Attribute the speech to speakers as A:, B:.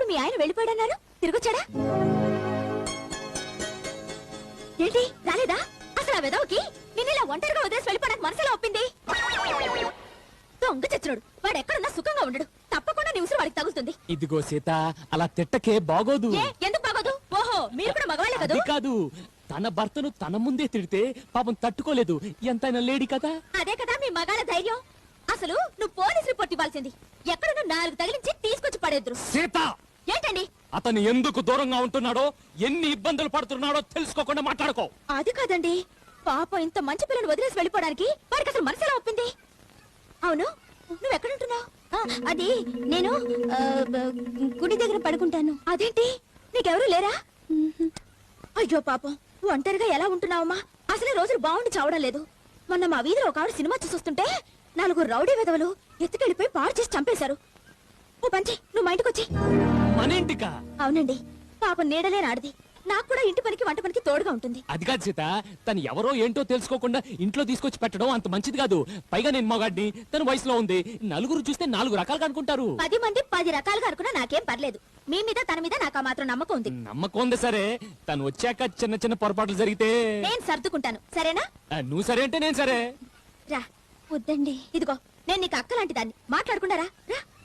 A: ఇప్పుడు మీ ఆయన వెళ్ళిపోయాడన్నారు, తిరిగొచ్చాడా? ఏంటి రాలేదా? అసలు ఆ వెదవకి నిన్నిలా ఒంటరిగా వదిలేసి వెళ్ళిపోవడానికి మనసులో ఒప్పింది. దొంగ చచ్చినోడు, వాడు ఎక్కడున్నా సుఖంగా ఉండడు. తప్పకుండా నీ ఉసురు వాడికి తగులుతుంది.
B: ఇదిగో సీత, అలా తిట్టకే, బాగోదు.
A: ఎందుకు బాగోదు? ఓహో, మీరు కూడా మగవాళ్ళే కదా?
B: కాదు, తన భర్తను తన ముందే తిడితే పాపం తట్టుకోలేదు. ఎంతైనా లేడీ కదా.
A: అదే కదా మీ మగాళ్ళ ధైర్యం. అసలు నువ్వు పోలీస్ రిపోర్ట్ ఇవ్వాల్సింది. ఎక్కడున్నా 4 తగిలించి తీసుకొచ్చి పడేద్దరు.
B: సీత,
A: ఏంటండి?
B: అతను ఎందుకు దూరంగా ఉంటున్నాడో, ఎన్ని ఇబ్బందులు పడుతున్నాడో తెలుసుకోకుండా మాట్లాడుకో.
A: అది కాదండి, పాపం ఇంత మంచి పిల్లని వదిలేసి వెళ్ళిపోవడానికి వాడికి అసలు మనసు ఎలా ఒప్పింది? అవును, నువ్వు ఎక్కడుంటున్నావు? అది నేను గుడి దగ్గర పడుకుంటాను. అదేంటి, నీకెవరూ లేరా? అయ్యో పాపం, ఒంటరిగా ఎలా ఉంటున్నావమ్మా? అసలే రోజులు బాగుండి చావడం లేదు. మొన్న మా వీధిలో ఒక ఆవిడ సినిమా చూస్తుంటే 4 రౌడీ విధవలు ఎత్తుకెళ్ళిపోయి పాడు చేసి చంపేశారు. ఓ పంచి, నువ్వు మా ఇంటికి వచ్చి.
B: మన ఇంటికా?
A: అవునండి, పాపం నీడలే నాడిది. నాకు కూడా ఇంటి పనికి వంట పనికి తోడుగా ఉంటుంది.
B: అది కాదు సీత, తను ఎవరో ఏంటో తెలుసుకోకుండా ఇంట్లో తీసుకొచ్చి పెట్టడం అంత మంచిది కాదు. పైగా నేను మగాడిని, తన వయసులో ఉంది. నలుగురు చూస్తే 4 రకాలుగా అనుకుంటారు.
A: 10 మంది 10 రకాలుగా అనుకున్నా నాకేం పర్లేదు. మీ మీద తన మీద నాకు ఆ మాత్రం నమ్మకం ఉంది.
B: నమ్మకం ఉంది సరే, తను వచ్చాక చిన్న చిన్న పొరపాట్లు జరిగితే
A: నేను సర్దుకుంటాను, సరేనా?
B: నువ్వు సరే అంటే నేను సరే.
A: రా. వద్దండి, ఇదిగో నేను నీకు అక్క లాంటి దాన్ని. మాట్లాడుకుంటారా? రా.